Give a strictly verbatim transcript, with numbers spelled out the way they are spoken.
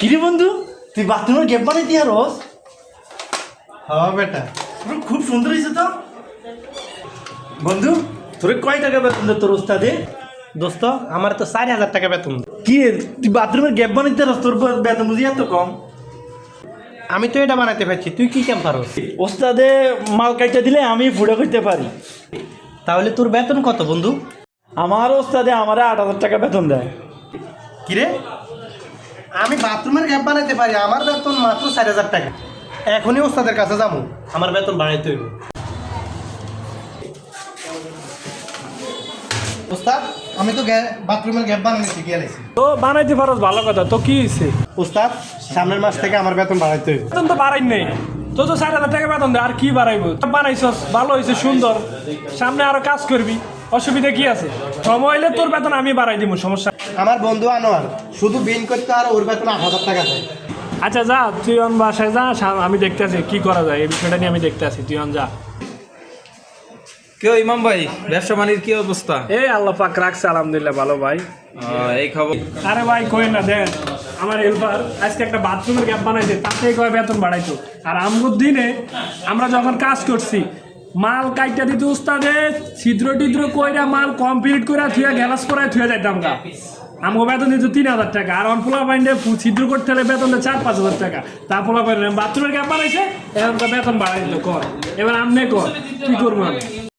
কিরে বন্ধু, তুই বাথরুমের গ্যাপ বানাইতি আর রস? হ্যাঁ বেটা, খুব সুন্দর হয়েছে তো। বন্ধু, তোর কয় টাকা বেতন দেয় তোর ওস্তাদে? দোস্ত আমার তো চার হাজার টাকা বেতন। কি রে, তুই বাথরুমের গ্যাপ বানাইতে রস, তোর বেতন বুঝি এত কম? আমি তো এটা বানাতে পারছি, তুই কি কেম পারস? ওস্তাদে মাল কাইটা দিলে আমি ফুড়ে করতে পারি। তাহলে তোর বেতন কত বন্ধু? আমার ওস্তাদে আমারে আট হাজার টাকা বেতন দেয়। কিরে, আমি বাথরুমের গ্যাপ বানাইতে পারি, আমার বেতন মাত্র চার হাজার টাকা। এখনই ওস্তাদের কাছে যাবো, আমার বেতন বাড়াইতে হইব। ওস্তাদ, আমি তো বাথরুমের গ্যাপ বানানো শিখিয়ে আলাইছি। তো বানাইতে পারস, ভালো কথা। তো কি হয়েছে? ওস্তাদ, সামনের মাস থেকে আমার বেতন বাড়াইতে হইব। বেতন তো বাড়াই নেই, তো তো চার হাজার টাকা বেতন দেয়, আর কি বাড়াইবো? বানাইছস, ভালো হয়েছে, সুন্দর। সামনে আরো কাজ করবি, অসুবিধা কি আছে? সময় হইলে তোর বেতন আমি বাড়াই দিব, সমস্যা। আমার বন্ধু আনোয়ার শুধু বিন করতে আর ওর বেতন আট হাজার টাকা দেয়। আচ্ছা যা, তুই অন বাসায় যা, সা- আমি দেখতে আছি কি করা যায়, এই বিষয়টা নিয়ে আমি দেখতে আছি। তুই অন যা। কেউ ইমাম ভাই, ব্যবসা বাণিজ্যের কি অবস্থা? এই আল্লাহ পাক রাখছে, আলহামদুলিল্লাহ ভালো ভাই। আহ, এই খবর। আরে ভাই কই না, দেন আমার হেল্পার আজকে একটা বাথরুমের গ্যাপ বানাইছে, তাতে কয় বেতন বাড়াইতো। আর আমগুর দিনে আমরা যখন কাজ করছি, মাল কাইটা দিত উস্তাদে, ছিদ্র টিদ্র কইরা মাল কমপ্লিট করে থুয়া গ্যালাস করায় থুয়া যাইতাম গা। আমগো বেতন দিত তিন হাজার টাকা, আর অনপোলা বাইন্ডে ছিদ্র করতে হলে বেতন দেয় চার পাঁচ হাজার টাকা। তারপর বাথরুমের গ্যাপ বানাইছে, এখন তো বেতন বাড়াই দিত। কর এবার আমনে কর, কি করবো আমি?